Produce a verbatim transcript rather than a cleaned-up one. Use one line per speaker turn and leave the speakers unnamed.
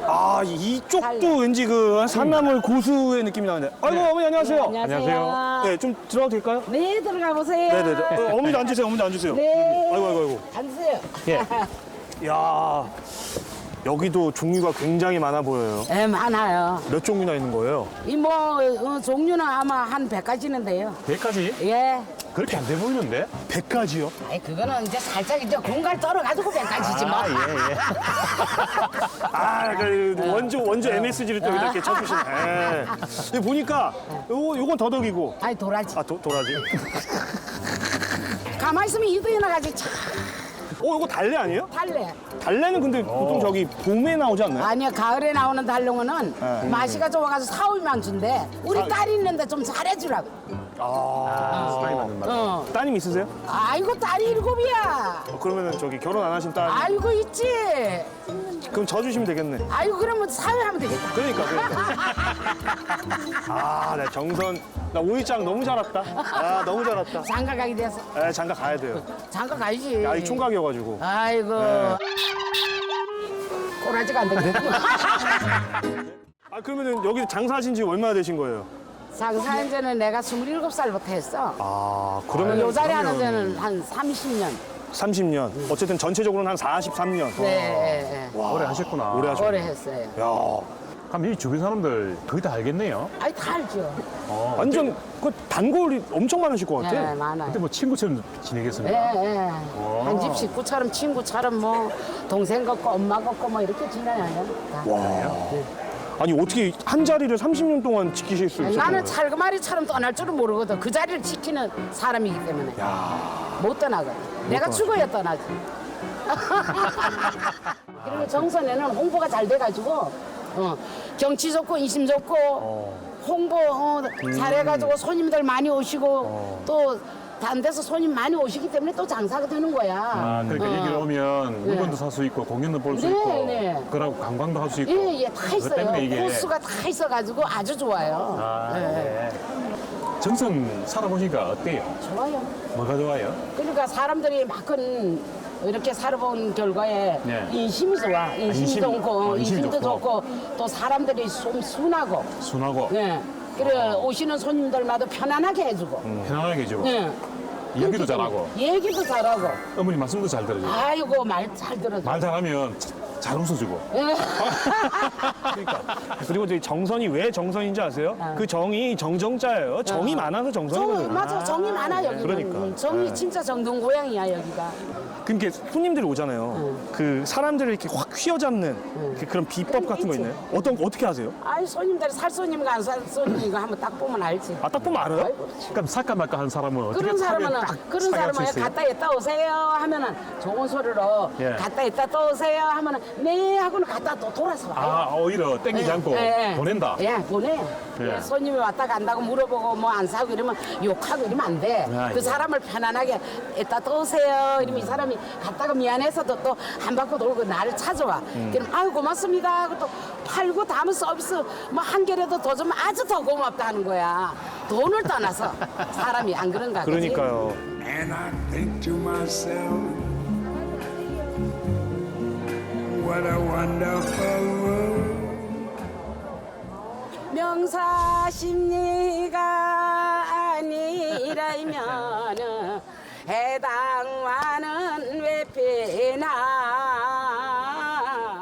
아, 이쪽도 왠지 그 산나물 고수의 느낌이 나는데. 아이고, 어머니 안녕하세요.
안녕하세요.
네, 좀 들어가도 될까요?
네, 들어가 보세요.
네네네. 어, 어머니도 앉으세요, 어머니도 앉으세요.
네.
아이고, 아이고, 아이고.
앉으세요.
예. 야 여기도 종류가 굉장히 많아 보여요.
네, 많아요.
몇 종류나 있는 거예요?
이 뭐 어, 종류는 아마 한 백 가지는데요.
백까지?
예.
그렇게 안 돼 보이는데?
백 가지요?
아이 그거는 이제 살짝 이제 공갈 떨어가지고 백 가지지 뭐.
아, 예, 예.
아, 그 원조 원조 엠에스지를 또 이렇게 쳐주시네. 예. 근데 보니까 요거 요건 더덕이고,
아이 도라지.
아 도, 도라지.
가만히 있으면 이도에 나가지 참
어, 요거 달래 아니에요?
달래.
달래는 근데 보통 저기 봄에 나오지 않나요?
아니야 가을에 나오는 달롱어는
네.
맛이가 좋아가지고 사오면 준대. 우리
사-
딸이 있는데 좀 잘해주라고.
아,
사이 맞는 말.
어.
따님 있으세요?
아이고 딸이 일곱이야.
어, 그러면은 저기 결혼 안 하신 딸,
아이고 있지.
그럼 저 주시면 되겠네.
아이고 그러면 사회하면 되겠다.
그러니까, 그러니까. 아, 나 정선, 나 오일장 너무 잘 왔다. 아, 너무 잘 왔다.
장가 가게 돼서
에, 장가 가야 돼요.
장가 가야지.
야, 이 총각이어가지고.
아이고.
네.
꼬라지가 안 되겠고.
아, 그러면은 여기 장사하신 지 얼마나 되신 거예요?
장사한 지는 내가 스물일곱 살부터 했어.
아, 그러면
요 자리 하는 데는 한 삼십 년.
삼십 년. 어쨌든 전체적으로는 한 사십삼 년.
네,
와,
오래 하셨구나.
오래 하셨-
오래 했어요.
야,
그럼 이 주변 사람들 거의 다 알겠네요.
아이, 다 알죠.
어,
완전 그 단골이 엄청 많으실 것 같아.
네, 많아요.
그때 뭐 친구처럼
예,
지내겠습니까?
예. 한 집 식구처럼 친구처럼 뭐 동생 같고 엄마 같고 뭐 이렇게 지내요. 다.
와. 아니 어떻게 한 자리를 삼십 년 동안 지키실 수 있었던
나는
거예요?
찰그마리처럼 떠날 줄은 모르거든. 그 자리를 지키는 사람이기 때문에 못 떠나거든. 내가 죽어야 떠나지. 그리고 정선에는 홍보가 잘 돼가지고 어, 경치 좋고 인심 좋고 홍보 어, 잘해가지고 손님들 많이 오시고 또 다른 데서 손님 많이 오시기 때문에 또 장사가 되는 거야.
아, 그러니까
어.
여기로 오면 물건도 살 수 있고 공연도 볼 수
네,
있고
네.
그러고 관광도 할 수 있고
예, 예, 다
그것
있어요.
때문에 이게
코스가 다 있어가지고 아주 좋아요.
아,
예,
네. 정선 살아보니까 어때요?
좋아요.
뭐가 좋아요?
그러니까 사람들이 막큰 이렇게 살아본 결과에
네.
인심이 좋아. 인심이
인심,
좋고,
어, 인심이
인심도
좋고.
좋고, 또 사람들이 좀 순하고,
순하고
예. 그래 오시는 손님들마다 편안하게 해주고,
편안하게 해주고
예.
얘기도 잘하고
얘기도 잘하고,
어머니 말씀도 잘 들어주고
아이고 말 잘 들어줘.
말 잘하면 자- 잘 웃어주고
예.
그리고 저희 정선이 왜 정선인지 아세요? 그 정이 정정자예요. 정이 많아서
정,
정선이거든요.
맞아 정이 많아 여기는.
그러니까.
정이
네.
진짜 정든 고향이야 여기가.
그러니까 손님들이 오잖아요. 그 사람들을 이렇게 확 휘어잡는 그 그런 비법 같은 거
있지.
있나요? 어떤 어떻게 하세요?
아이 손님들 살 손님과 안 살 손님인가 한번 딱 보면 알지.
아, 딱 보면 알아요?
그럼 살까 말까 한 사람은 어떻게
그런 사람은
차면 딱
그런
차게 할수
사람은
있어요?
갔다 있다 오세요 하면은 좋은 소리로
예.
갔다 있다 또 오세요 하면은 네 하고는 갔다 또 돌아서 와요.
아 오히려 땡기지 않고
예, 예.
보낸다.
예, 보내.
예.
손님이 왔다 간다고 물어보고 뭐 안 사고 이러면 욕하고 이러면 안 돼.
아,
그
예.
사람을 편안하게 이따 또 오세요. 이러면 이 사람이 갔다가 미안해서도 또 한 바퀴 돌고 나를 찾아와.
음.
그럼 아유 고맙습니다 하고 또 팔고 담은 서비스 뭐 한 개라도 더 주면 아주 더 고맙다 하는 거야. 돈을 떠나서 사람이 안 그런가? 그치?
그러니까요.
And I think to myself, what a wonderful world.
명사심리가 아니라면은 해당